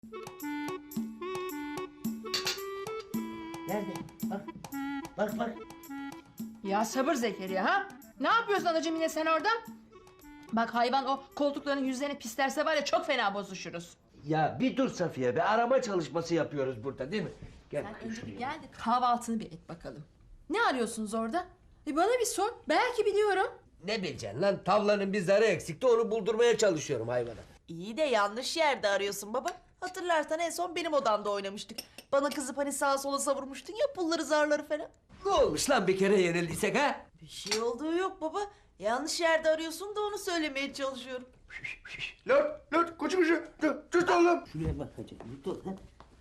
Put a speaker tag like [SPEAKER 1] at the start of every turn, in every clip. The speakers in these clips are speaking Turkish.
[SPEAKER 1] Nerede? Bak. Bak bak.
[SPEAKER 2] Ya sabır Zekeriya ha? Ne yapıyorsun anacığım yine sen orada? Bak hayvan o koltukların yüzlerini pislerse var ya çok fena bozuşuruz.
[SPEAKER 1] Ya bir dur Safiye be. Arama çalışması yapıyoruz burada değil mi? Gel.
[SPEAKER 2] Sen önce bir gel de kahvaltını bir et bakalım. Ne arıyorsunuz orada? Bana bir sor. Belki biliyorum.
[SPEAKER 1] Ne bileceksin lan? Tavlanın bir zarı eksikti. Onu buldurmaya çalışıyorum hayvana.
[SPEAKER 3] İyi de yanlış yerde arıyorsun baba. Hatırlarsan en son benim odamda oynamıştık. Bana kızıp hani sağa sola savurmuştun ya pulları zarları falan.
[SPEAKER 1] Ne olmuş lan bir kere yenildiysek ha?
[SPEAKER 3] Bir şey olduğu yok baba. Yanlış yerde arıyorsun da onu söylemeye çalışıyorum.
[SPEAKER 4] Lan koçum tut oğlum.
[SPEAKER 1] Şuraya bak hacı. Dur lan.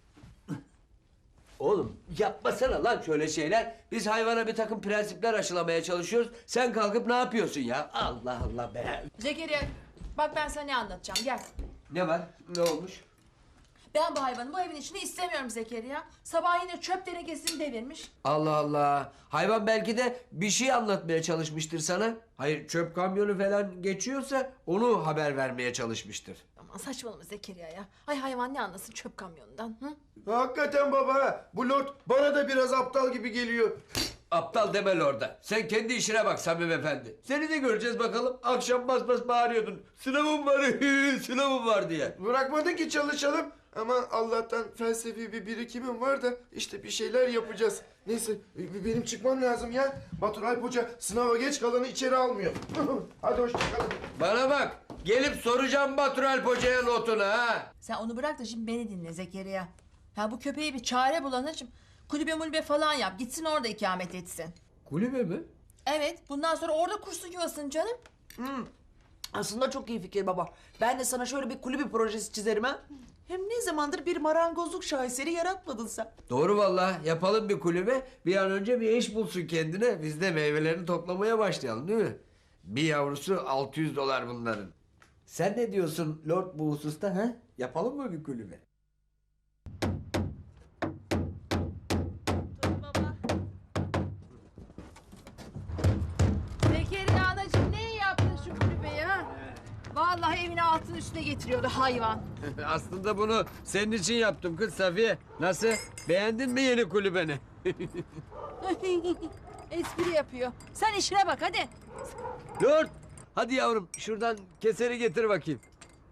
[SPEAKER 1] Oğlum yapmasana lan şöyle şeyler. Biz hayvana bir takım prensipler aşılamaya çalışıyoruz. Sen kalkıp ne yapıyorsun ya? Allah Allah be.
[SPEAKER 2] Zekeriya bak ben sana ne anlatacağım gel.
[SPEAKER 1] Ne var? Ne olmuş?
[SPEAKER 2] Ben bu hayvanı bu evin içinde istemiyorum Zekeriya. Sabah yine çöp tenekesini devirmiş.
[SPEAKER 1] Allah Allah. Hayvan belki de bir şey anlatmaya çalışmıştır sana. Hayır çöp kamyonu falan geçiyorsa onu haber vermeye çalışmıştır.
[SPEAKER 2] Aman saçmalama Zekeriya ya. Ay hayvan ne anlasın çöp kamyonundan. Hı?
[SPEAKER 4] Hakikaten baba. Bu lord bana da biraz aptal gibi geliyor.
[SPEAKER 1] Aptal deme orada. Sen kendi işine bak Samim Efendi. Seni de göreceğiz bakalım. Akşam bas bas bağırıyordun. Sınavım var, sınavım var diye.
[SPEAKER 4] Bırakmadın ki çalışalım. Ama Allah'tan felsefi bir birikimim var da işte bir şeyler yapacağız. Neyse benim çıkmam lazım ya. Batur Alp Hoca sınava geç kalanı içeri almıyor. Hadi hoşçakalın.
[SPEAKER 1] Bana bak. Gelip soracağım Batur Alp Hoca'ya notunu ha.
[SPEAKER 2] Sen onu bırak da şimdi beni dinle Zekeriya. Ya bu köpeğe bir çare bul anacığım. Kulübe mulübe falan yap. Gitsin orada ikamet etsin.
[SPEAKER 1] Kulübe mi?
[SPEAKER 2] Evet bundan sonra orada kursun yuvasını canım.
[SPEAKER 3] Aslında çok iyi fikir baba. Ben de sana şöyle bir kulübü projesi çizerim ha. Hem ne zamandır bir marangozluk şaheseri yaratmadın sen.
[SPEAKER 1] Doğru vallahi. Yapalım bir kulübe. Bir an önce bir iş bulsun kendine. Biz de meyvelerini toplamaya başlayalım değil mi? Bir yavrusu $600 bunların. Sen ne diyorsun Lord bu hususta ha? Yapalım mı bir kulübe?
[SPEAKER 2] Zekeriya anacığım ne iyi yaptın şu kulübeyi ha? Vallahi evine altın üstüne getiriyordu hayvan.
[SPEAKER 1] Aslında bunu senin için yaptım kız Safiye. Nasıl? Beğendin mi yeni kulübeni?
[SPEAKER 2] Espri yapıyor. Sen işine bak hadi.
[SPEAKER 1] Lord! Hadi yavrum şuradan keseri getir bakayım.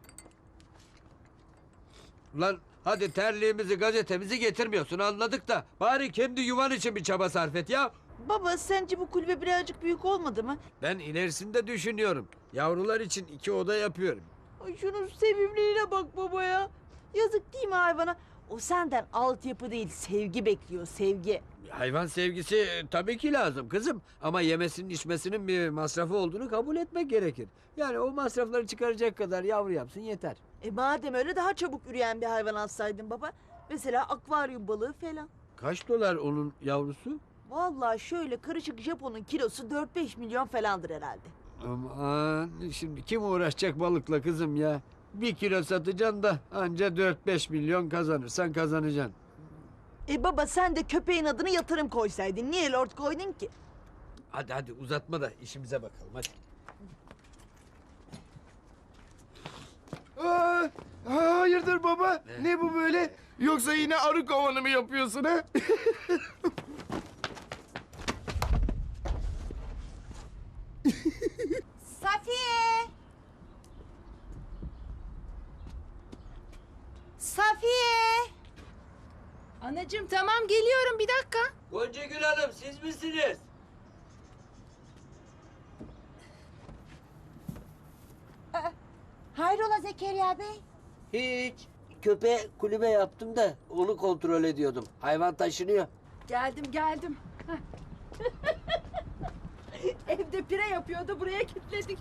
[SPEAKER 1] Lan hadi terliğimizi gazetemizi getirmiyorsun anladık da. Bari kendi yuvan için bir çaba sarf et ya.
[SPEAKER 3] Baba sence bu kulübe birazcık büyük olmadı mı?
[SPEAKER 1] Ben ilerisinde düşünüyorum. Yavrular için 2 oda yapıyorum.
[SPEAKER 3] Ay şunun sevimliliğine bak baba ya. Yazık değil mi hayvana? O senden altyapı değil sevgi bekliyor sevgi.
[SPEAKER 1] Hayvan sevgisi tabii ki lazım kızım. Ama yemesinin içmesinin bir masrafı olduğunu kabul etmek gerekir. Yani o masrafları çıkaracak kadar yavru yapsın yeter.
[SPEAKER 3] Madem öyle daha çabuk üreyen bir hayvan alsaydın baba. Mesela akvaryum balığı falan.
[SPEAKER 1] Kaç dolar onun yavrusu?
[SPEAKER 3] Vallahi şöyle karışık Japon'un kilosu 4-5 milyon falandır herhalde.
[SPEAKER 1] Aman şimdi kim uğraşacak balıkla kızım ya? 1 kilo satacaksın da anca 4-5 milyon kazanırsan kazanacaksın.
[SPEAKER 3] Baba sen de köpeğin adını yatırım koysaydın. Niye lord koydun ki?
[SPEAKER 1] Hadi hadi uzatma da işimize bakalım hadi.
[SPEAKER 4] Hayırdır baba? Ne bu böyle? Yoksa yine arı kovanı mı yapıyorsun ha?
[SPEAKER 3] Safiye! Safiye!
[SPEAKER 2] Anacığım tamam geliyorum bir dakika.
[SPEAKER 1] Gonca Gül Hanım siz misiniz?
[SPEAKER 5] Hayrola Zekeriya Bey?
[SPEAKER 1] Hiç. Köpeğe kulübe yaptım da onu kontrol ediyordum. Hayvan taşınıyor.
[SPEAKER 2] Geldim. Evde pire yapıyordu buraya kilitledik.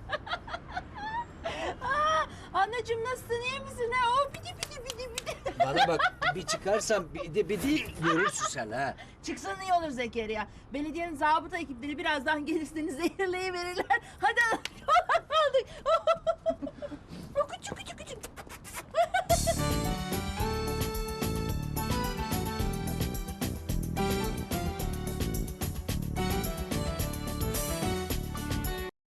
[SPEAKER 2] Anacığım nasılsın iyi misin ha? O bidi.
[SPEAKER 1] Bana bak bir çıkarsam bidi görürsün sen ha.
[SPEAKER 2] Çıksan iyi olur Zekeriya. Belediyenin zabıta ekipleri birazdan gelir seni zehirleyiverirler. Hadi